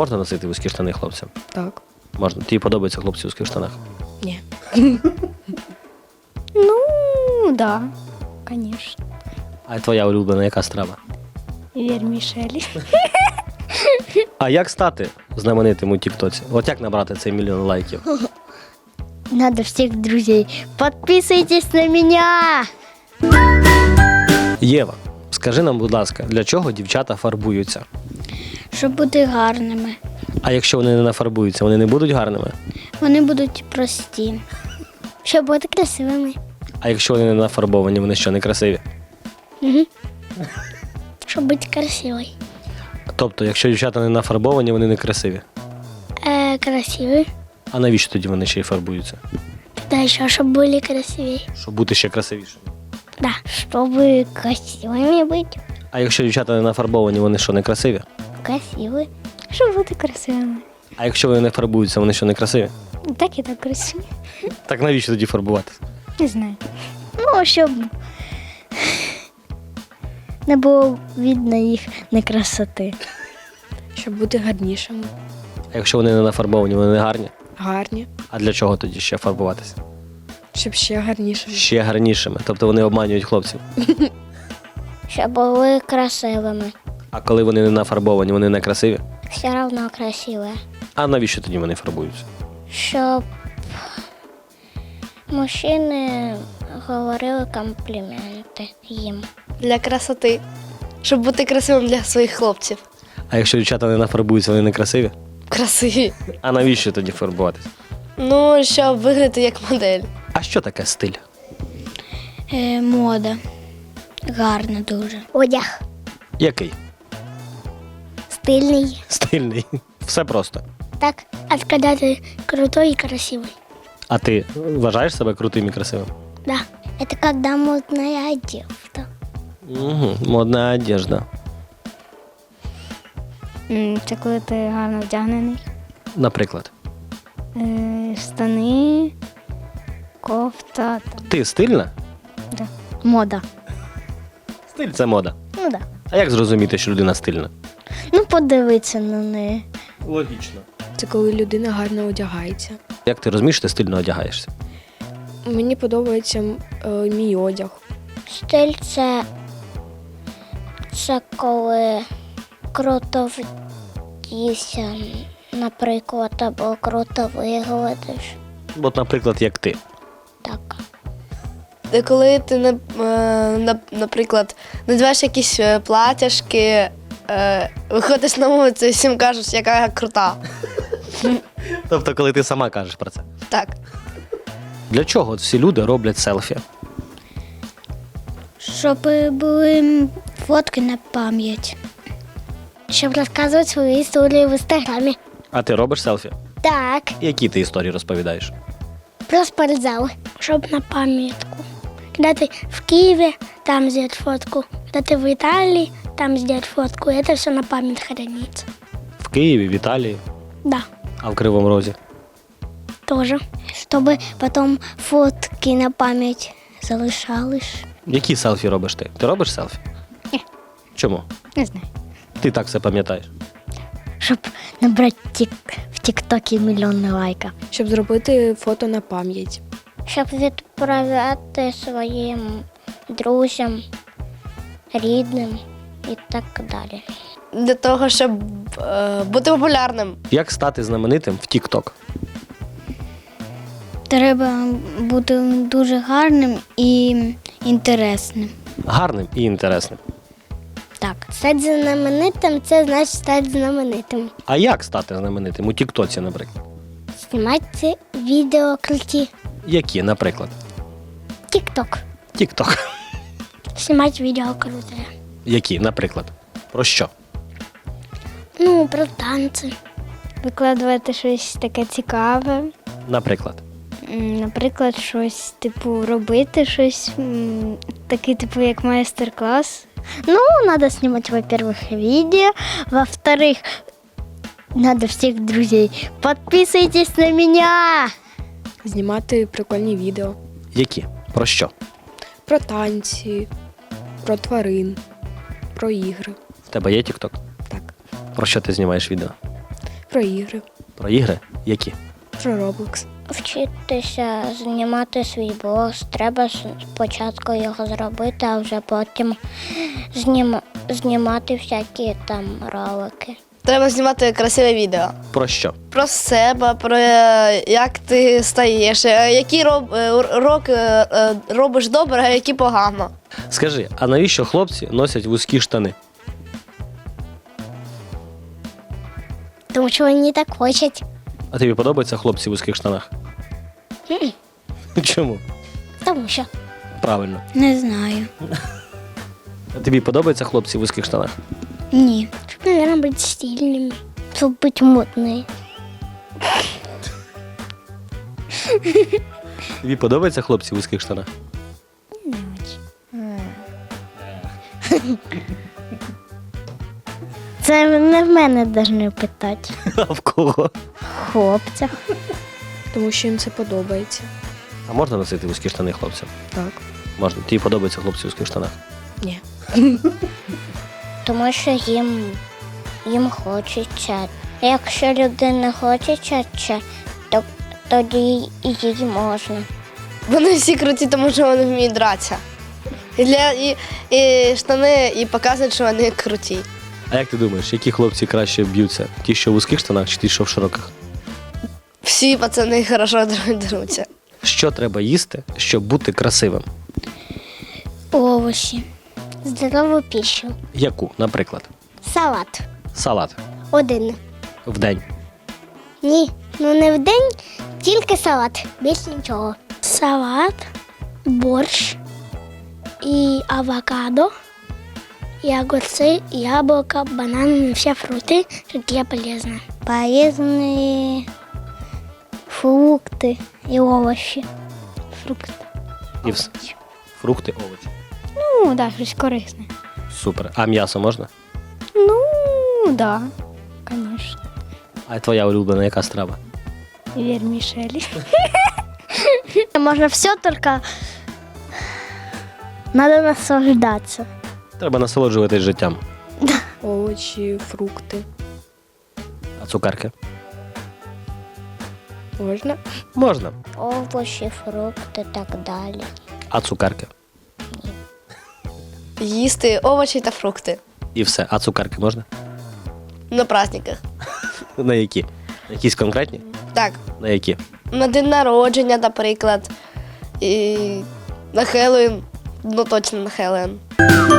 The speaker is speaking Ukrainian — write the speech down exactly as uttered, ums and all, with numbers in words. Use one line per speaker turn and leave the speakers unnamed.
можна носити вузькі штани хлопцям?
Так.
Можна. Тобі подобаються хлопці в вузьких штанах?
Ні.
Ну, да, конечно.
А твоя улюблена яка страва?
Вермішелі.
А як стати знаменитим у Тіктоці? От як набрати цей мільйон лайків?
Надо всіх друзей. Подписуйтесь на мене!
Єва, скажи нам, будь ласка, для чого дівчата фарбуються?
Щоб бути гарними.
А якщо вони не нафарбуються, вони не будуть гарними?
Вони будуть прості. Щоб бути красивими.
А якщо вони не нафарбовані, вони що, не красиві?
Угу. Щоб бути красивою.
Тобто, якщо дівчата не нафарбовані, вони не красиві.
Е, красиві.
А навіщо тоді вони ще й фарбуються?
Да, ще, щоб були красиві.
Щоб бути ще красивішими.
Да, щоб красивими бути.
А якщо дівчата не нафарбовані, вони що, не красиві?
Красиві. Щоб бути красивими.
А якщо вони не фарбуються, вони що, не красиві?
Так і так красиві.
Так навіщо тоді фарбуватися?
Не знаю. Ну, щоб не було видно їх некрасоти.
Щоб бути гарнішими.
А якщо вони не нафарбовані, вони не гарні?
Гарні.
А для чого тоді ще фарбуватися?
Щоб ще гарнішими.
Ще гарнішими. Тобто вони обманюють хлопців.
Щоб були красивими.
А коли вони не нафарбовані, вони не красиві?
Все одно красиві.
А навіщо тоді вони фарбуються?
Щоб мужчини говорили компліменти їм.
Для красоти. Щоб бути красивим для своїх хлопців.
А якщо дівчата не нафарбуються, вони не красиві?
Красиві.
А навіщо тоді фарбуватися?
Ну, щоб виглядати як модель.
А що таке стиль?
Е, мода. Гарна дуже. Одяг.
Який?
Стильний.
Стильний. Все просто.
Так, а коли ти крутой і красивий.
А ти вважаєш себе крутим і красивим?
Да. Это когда модная одежда.
Угу. Модна одежда.
Це коли ти гарно вдягнений.
Наприклад.
Е, штани, кофта. Там.
Ти стильна?
Да. Мода.
Стиль – це мода.
Ну да.
А як зрозуміти, що людина стильна?
Ну подивитися на неї.
Логічно.
Це коли людина гарно одягається.
Як ти розумієш, ти стильно одягаєшся?
Мені подобається е, мій одяг.
Стиль це, це коли круто вдівся, наприклад, або круто виглядиш.
От, наприклад, як ти.
Так.
Де коли ти, на- е, на- наприклад, надіваєш якісь е, платяшки, е, виходиш на вулицю і всім кажеш, яка я крута.
Тобто, коли ти сама кажеш про це.
Так.
Для чого от всі люди роблять селфі?
Щоб були фотки на пам'ять. Щоб розказувати свої історії в інстаграмі.
А ти робиш селфі?
Так.
Які ти історії розповідаєш?
Про спортзал. Щоб на пам'ятку. Коли ти в Києві, там зробити фотку. Коли ти в Італії, там зробити фотку. І це все на пам'ять храниться.
В Києві, в Італії,
Да,
а в Кривому Розі?
тоже. Щоб потім фотки на пам'ять залишались.
Які селфі робиш ти? Ти робиш селфі?
Ні.
Чому?
Не знаю.
Ти так все пам'ятаєш.
Щоб набрати тік... в Тік-Токі мільйон лайка.
Щоб зробити фото на пам'ять.
Щоб відправляти своїм друзям, рідним і так далі.
Для того, щоб е, бути популярним.
Як стати знаменитим в Тік-Ток?
Треба бути дуже гарним і інтересним.
Гарним і інтересним.
Так. Стати знаменитим – це значить стати знаменитим.
А як стати знаменитим у Тік-Тоці, наприклад?
Знімати відео круті.
Які, наприклад?
Тік-Ток.
Тік-Ток.
Знімати відео круте.
Які, наприклад? Про що?
Ну, про танці. Викладувати щось таке цікаве.
Наприклад.
Наприклад, щось, типу, робити щось, м, такий, типу, як майстер-клас. Ну, треба знімати, во-первых, відео, во-вторых, треба всіх друзей. Підписуйтесь на мене!
Знімати прикольні відео.
Які? Про що?
Про танці, про тварин, про ігри.
В тебе є Тік-Ток?
Так.
Про що ти знімаєш відео?
Про ігри,
Про ігри? Які?
про Roblox.
Вчитися знімати свій блог, треба спочатку його зробити, а вже потім знім... знімати всякі там ролики.
Треба знімати красиве відео.
Про що?
Про себе, про е, як ти стаєш, е, які роб, е, уроки е, робиш добре, а які погано.
Скажи, а навіщо хлопці носять вузькі штани?
Тому що вони так хочуть.
А тобі подобаються хлопці в вузьких штанах? Чому?
Тому що.
Правильно.
Не знаю.
А тобі подобаються хлопці в вузьких штанах?
Ні. Щоб, мабуть, бути стильними. Щоб бути модними.
Тобі подобаються хлопці в вузьких штанах?
Це не в мене повинні питати.
А в кого?
Хлопцях.
Тому що їм це подобається.
А можна носити вузькі штани хлопцям?
Так.
Можна. Тобі подобаються хлопці в вузьких штанах?
Ні.
Тому що їм, їм хочеться. Якщо людина не хочеться, то тоді і їй можна.
Вони всі круті, тому що вони вміють дратися. І, для, і, і штани і показують, що вони круті.
А як ти думаєш, які хлопці краще б'ються? Ті, що в вузьких штанах, чи ті, що в широких?
Всі пацани хорошо деруться.
Що треба їсти, щоб бути красивим?
Овочі. Здорову піщу.
Яку, наприклад?
Салат.
Салат.
Один.
В день.
Ні, ну не в день, тільки салат. Більш нічого. Салат, борщ і авокадо, і огурці, яблука, банани, всі фрукти, які полезні. Полезні фрукти і овочі. Фрукти.
І все. Фрукти, овочі.
Ну, так, да, щось корисне.
Супер. А м'ясо можна?
Ну, так, да, звісно.
А твоя улюблена яка страва?
Вермишели. Можно все, только надо наслаждаться.
Треба насолоджуватись життям.
Овочі, фрукти.
А цукерки?
Можна?
Можна.
Овощи, фрукти, так далі.
А цукерки?
Їсти овочі та фрукти.
І все. А цукерки можна?
На праздниках.
На які? На якісь конкретні?
Так,
На які?
на день народження, наприклад. І на Хеллоуін. Ну точно на Хеллоуін.